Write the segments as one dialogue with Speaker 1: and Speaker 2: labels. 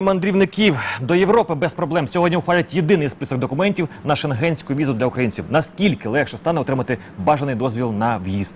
Speaker 1: мандрівників до Європи без проблем. Сьогодні ухвалять єдиний список документів на шенгенську візу для українців. Наскільки легше стане отримати бажаний дозвіл на в'їзд?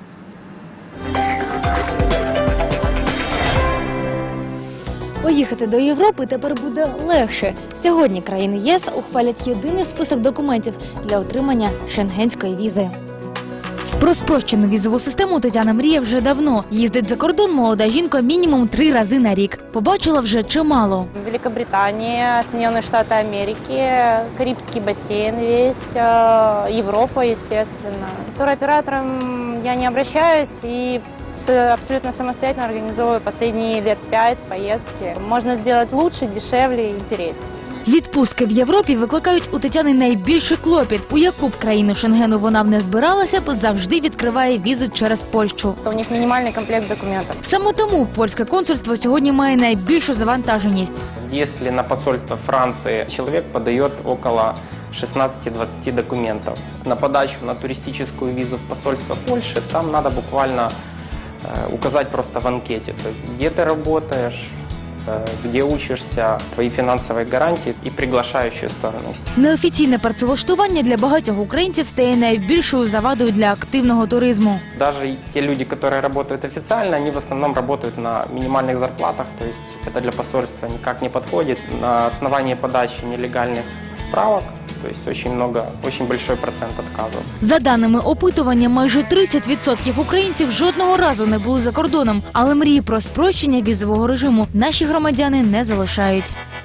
Speaker 2: Поїхати до Європи тепер буде легше. Сьогодні країни ЄС ухвалять єдиний список документів для отримання шенгенської візи. Про спрощену візову систему Тетяна мріє вже давно. Їздить за кордон молода жінка мінімум 3 рази на рік. Побачила вже чимало.
Speaker 3: Великобритания, Соединенные Штаты Америки, Карибский бассейн весь, Европа, естественно. Туроператором я не обращаюсь и абсолютно самостоятельно организовываю последние лет 5 поездки. Можно сделать лучше, дешевле и интереснее.
Speaker 2: Відпустки в Європі викликають у Тетяни найбільший клопіт. У яку б країну Шенгену вона б не збиралася, завжди відкриває візи через Польщу.
Speaker 3: У них мінімальний комплект документів.
Speaker 2: Саме тому польське консульство сьогодні має найбільшу завантаженість.
Speaker 4: Если на посольство Франции человек подает около 16-20 документов, на подачу на туристическую визу в посольство Польши там надо буквально указать просто в анкете, то есть где ты работаешь, где учишься, твої фінансові гарантії і приглашаючі сторони.
Speaker 2: Неофіційне працевлаштування для багатьох українців стає найбільшою завадою для активного туризму.
Speaker 4: Даже те люди, которые работают официально, они в основном работают на минимальных зарплатах, то есть это для посольства никак не подходит. На основании подачи нелегальных справок, то есть очень большой процент отказов.
Speaker 2: За даними опитування, майже 30% українців жодного разу не були за кордоном. Але мрії про спрощення візового режиму наші громадяни не залишають.